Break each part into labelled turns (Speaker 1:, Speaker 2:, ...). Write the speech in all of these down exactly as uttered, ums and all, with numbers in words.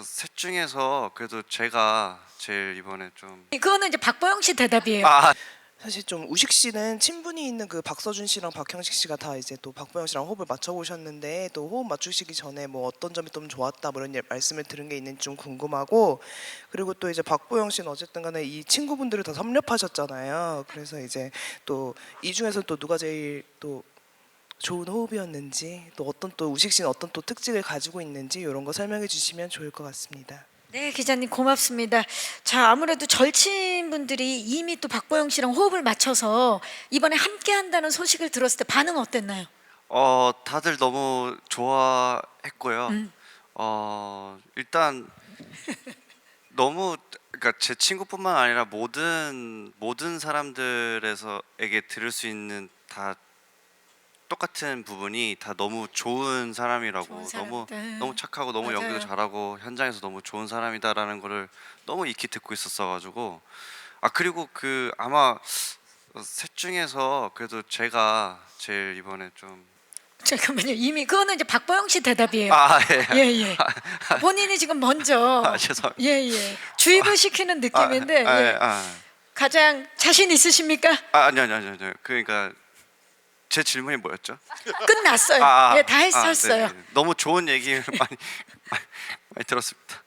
Speaker 1: 어, 셋 중에서 그래도 제가 제일 이번에 좀
Speaker 2: 그거는 이제 박보영 씨 대답이에요.
Speaker 1: 아,
Speaker 3: 사실 좀 우식 씨는 친분이 있는 그 박서준 씨랑 박형식 씨가 다 이제 또 박보영 씨랑 호흡을 맞춰보셨는데 또 호흡 맞추시기 전에 뭐 어떤 점이 좀 좋았다 뭐 이런 예- 말씀을 들은 게 있는지 좀 궁금하고, 그리고 또 이제 박보영 씨는 어쨌든 간에 이 친구분들을 다 섭렵하셨잖아요. 그래서 이제 또 이 중에서 또 누가 제일 또 좋은 호흡이었는지, 또 어떤 또 우식 씨는 어떤 또 특징을 가지고 있는지 이런 거 설명해 주시면 좋을 것 같습니다.
Speaker 2: 네, 기자님 고맙습니다. 자, 아무래도 절친분들이 이미 또 박보영 씨랑 호흡을 맞춰서 이번에 함께 한다는 소식을 들었을 때 반응 어땠나요?
Speaker 1: 어 다들 너무 좋아했고요.
Speaker 2: 음.
Speaker 1: 어 일단 너무 그러니까 제 친구뿐만 아니라 모든 모든 사람들에서에게 들을 수 있는 다 똑같은 부분이 다 너무 좋은 사람이라고,
Speaker 2: 좋은
Speaker 1: 너무
Speaker 2: 사람들.
Speaker 1: 너무 착하고 너무
Speaker 2: 맞아요.
Speaker 1: 연기도 잘하고 현장에서 너무 좋은 사람이다라는 거를 너무 익히 듣고 있었어가지고, 아 그리고 그 아마 셋 중에서 그래도 제가 제일 이번에 좀
Speaker 2: 잠깐만요. 이미 그거는 이제 박보영 씨 대답이에요.
Speaker 1: 아, 예.
Speaker 2: 예, 예. 본인이 지금 먼저
Speaker 1: 아, 죄송합니다.
Speaker 2: 예, 예. 주입을 시키는 느낌인데
Speaker 1: 아,
Speaker 2: 예.
Speaker 1: 아,
Speaker 2: 가장 자신 있으십니까?
Speaker 1: 아, 아니요, 아니요, 아니요, 아니요. 그러니까 제 질문이 뭐였죠?
Speaker 2: 끝났어요.
Speaker 1: 아, 아,
Speaker 2: 예, 다
Speaker 1: 아,
Speaker 2: 했었어요.
Speaker 1: 네네. 너무 좋은 얘기를 많이 많이, 많이 들었습니다.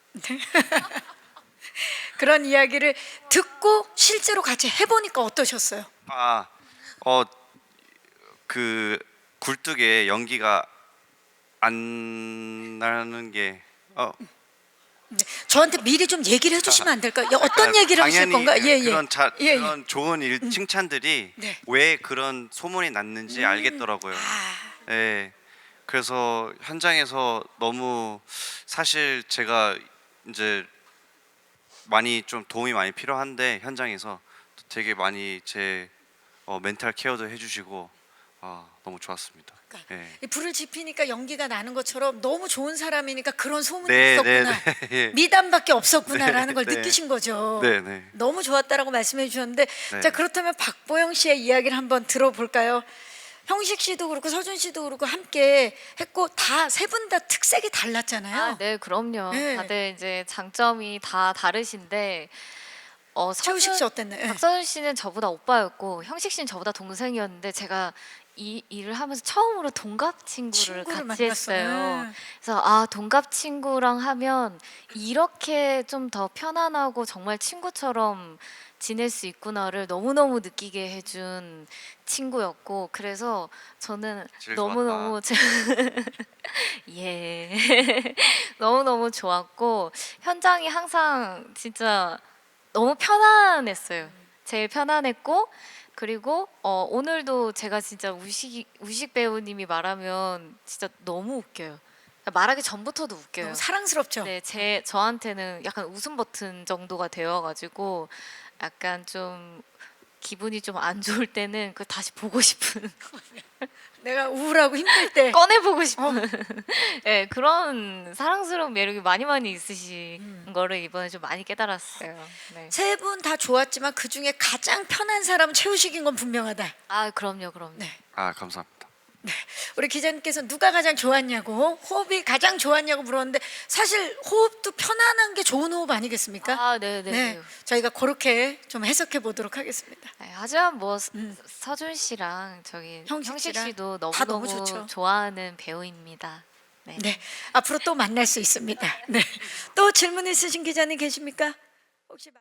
Speaker 2: 그런 이야기를 듣고 실제로 같이 해보니까 어떠셨어요?
Speaker 1: 아, 어, 그 굴뚝에 연기가 안 나는 게 어,
Speaker 2: 저한테 미리 좀 얘기를 해주시면 안 될까요? 야, 어떤
Speaker 1: 그러니까
Speaker 2: 얘기를 하실
Speaker 1: 당연히
Speaker 2: 건가? 예, 예.
Speaker 1: 그런 자,
Speaker 2: 예, 예.
Speaker 1: 그런 좋은 일 칭찬들이
Speaker 2: 네.
Speaker 1: 왜 그런 소문이 났는지 알겠더라고요.
Speaker 2: 아,
Speaker 1: 예. 그래서 현장에서 너무 사실 제가 이제 많이 좀 도움이 많이 필요한데 현장에서 되게 많이 제 어, 멘탈 케어도 해주시고 아, 너무 좋았습니다.
Speaker 2: 그러니까
Speaker 1: 예.
Speaker 2: 이 불을 지피니까 연기가 나는 것처럼 너무 좋은 사람이니까 그런 소문이
Speaker 1: 네, 네,
Speaker 2: 있었구나.
Speaker 1: 네. 예.
Speaker 2: 미담밖에 없었구나라는
Speaker 1: 네,
Speaker 2: 걸
Speaker 1: 네.
Speaker 2: 느끼신 거죠.
Speaker 1: 네, 네.
Speaker 2: 너무 좋았다라고 말씀해 주셨는데
Speaker 1: 네.
Speaker 2: 자, 그렇다면 박보영 씨의 이야기를 한번 들어볼까요? 형식 씨도 그렇고 서준 씨도 그렇고 함께 했고 다 세 분 다 특색이 달랐잖아요.
Speaker 4: 아, 네, 그럼요.
Speaker 2: 네.
Speaker 4: 다들 이제 장점이 다 다르신데 어,
Speaker 2: 최우식 씨
Speaker 4: 서준,
Speaker 2: 어땠나요? 예.
Speaker 4: 박서준 씨는 저보다 오빠였고 형식 씨는 저보다 동생이었는데 제가 이 일을 하면서 처음으로 동갑 친구를,
Speaker 2: 친구를
Speaker 4: 같이
Speaker 2: 만났어요.
Speaker 4: 했어요.
Speaker 2: 네.
Speaker 4: 그래서 아, 동갑 친구랑 하면 이렇게 좀 더 편안하고 정말 친구처럼 지낼 수 있구나를 너무너무 느끼게 해준 친구였고, 그래서 저는
Speaker 1: 제일
Speaker 4: 너무너무 예 너무너무 좋았고 현장이 항상 진짜 너무 편안했어요. 제일 편안했고, 그리고 어, 오늘도 제가 진짜 우식 우식 배우님이 말하면 진짜 너무 웃겨요. 말하기 전부터도 웃겨요.
Speaker 2: 너무 사랑스럽죠.
Speaker 4: 네, 제 저한테는 약간 웃음 버튼 정도가 되어가지고 약간 좀 기분이 좀 안 좋을 때는 그 다시 보고 싶은
Speaker 2: 내가 우울하고 힘들 때
Speaker 4: 꺼내보고 싶은 네, 그런 사랑스러운 매력이 많이 많이 있으신 거를 이번에 좀 많이 깨달았어요. 네.
Speaker 2: 세 분 다 좋았지만 그 중에 가장 편한 사람은 최우식인 건 분명하다.
Speaker 4: 아, 그럼요, 그럼요.
Speaker 2: 네.
Speaker 1: 아, 감사합니다.
Speaker 2: 우리 기자님께서 누가 가장 좋았냐고, 호흡이 가장 좋았냐고 물었는데 사실 호흡도 편안한 게 좋은 호흡 아니겠습니까?
Speaker 4: 아, 네, 네.
Speaker 2: 네, 저희가 그렇게 좀 해석해 보도록 하겠습니다.
Speaker 4: 네, 하지만 뭐
Speaker 2: 음.
Speaker 4: 서준 씨랑 저기
Speaker 2: 형식
Speaker 4: 형식
Speaker 2: 씨랑
Speaker 4: 씨도
Speaker 2: 다
Speaker 4: 너무
Speaker 2: 너무
Speaker 4: 너무
Speaker 2: 좋죠.
Speaker 4: 좋아하는 배우입니다. 네.
Speaker 2: 네, 앞으로 또 만날 수 있습니다. 네, 또 질문 있으신 기자님 계십니까? 혹시.